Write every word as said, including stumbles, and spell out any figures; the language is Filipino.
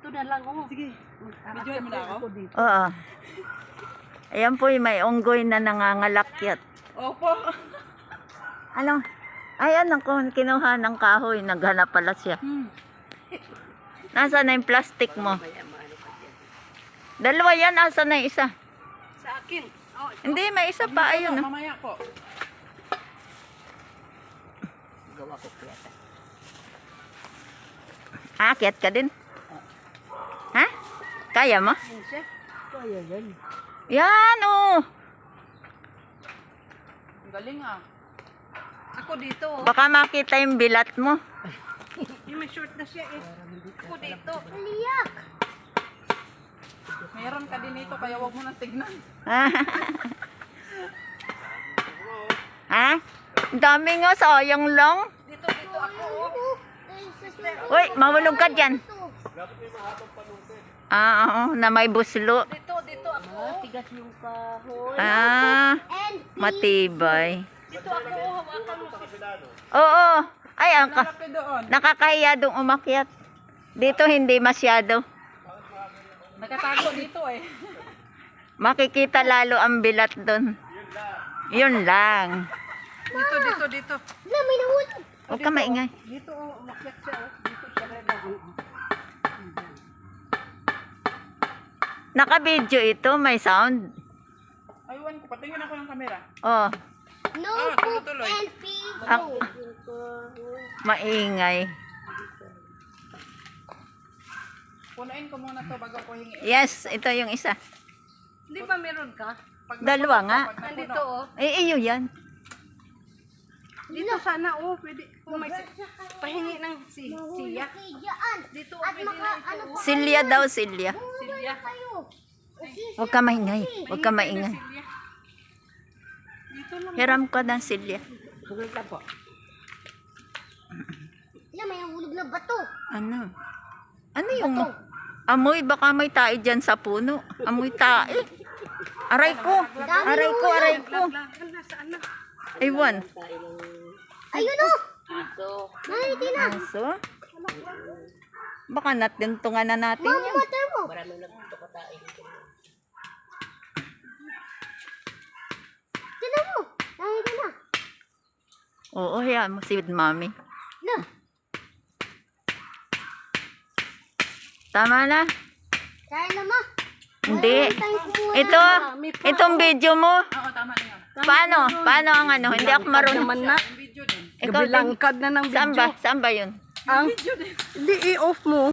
Dito na lang oh. Sige. Videoin mo na ako? Oo. Ayan po yung may unggoy na nangangalakyat. Opo. Ano? Ayan ako, kinuha ng kahoy. Naghanap pala siya. Hmm. Nasaan na yung plastic mo? Dalawa yan, nasaan na yung isa? Sa akin. Oh, Hindi, may isa pa. Ayun. Oh. Mamaya po. gawa ko piyata. Aakyat ka din? Ha? Kaya mo? Yan siya. Kaya yan. Yan, oh. Ang galing ah. Ako dito oh. Baka makita yung bilat mo. Yung may short na siya eh. Ako dito. Aliyak! Meron ka din ito kaya wag mo nang tignan. Ha? Ang dami nga, sayang lang. Dito, dito ako oh. Uy, mahulog ka dyan. Ah, oo, na may buslo. Dito, dito ako. Tigas yung kahoy. Ah, And matibay. Dito ako oh. Hawakan mo si... Oo. Ay, ang ka Lalaki doon. nakakahiya dong umakyat. Dito hindi masyado. Nakatago dito eh. Makikita lalo ang bilat doon. Yun lang. Dito, dito, dito. na may nahulog. Huwag ka maingay. Dito oh. Umakyat siya oh. Dito siya rin ako. Naka-video ito, may sound. Aywan ko, patingin ako ng kamera. Oh, No Ah, poop tuloy-tuloy. and pee. ah, maingay. Punuin ko muna to bago ko hingi. Yes, ito yung isa. Hindi ba meron ka? Pag Dalawa nga. pag napuno, Nandito oh. Eh, iyo yan. Dito sana oh. Pwede. Kung may pahingi ng si siya. Okay, dyan. Dito oh. At Pwede maka, na ano ito pa, Silya daw, Silya. Silya. kayo. Usisi. Huwag ka maingay. Huwag ka maingay. Silya. Dito lang. Hiram ko ng Silya. Sugal ka po. Yan, may nahulog na bato. Ano? Ano yung amoy? Baka may tae dyan sa puno. Amoy tae. Aray ko. Aray ko, aray ko. Lagan na. Saan na? Aywan. Ayun o. Nakiti na. Aso? Baka natintungan na natin Mama, yan. mother mo. Tinan mo. Nakiti na. Oo, yan mo si mami. Na. Tama na. Kaya na ma. Hindi. Tayo kumuha. Ito, itong video mo. Oo, tama na yan. Paano? Paano ang ano? Hindi ako marunong. Naman na. Video din. Ikaw din. Gabilangkad na ng Saan video. ba? Saan ba yun? Ang, hindi i-off mo.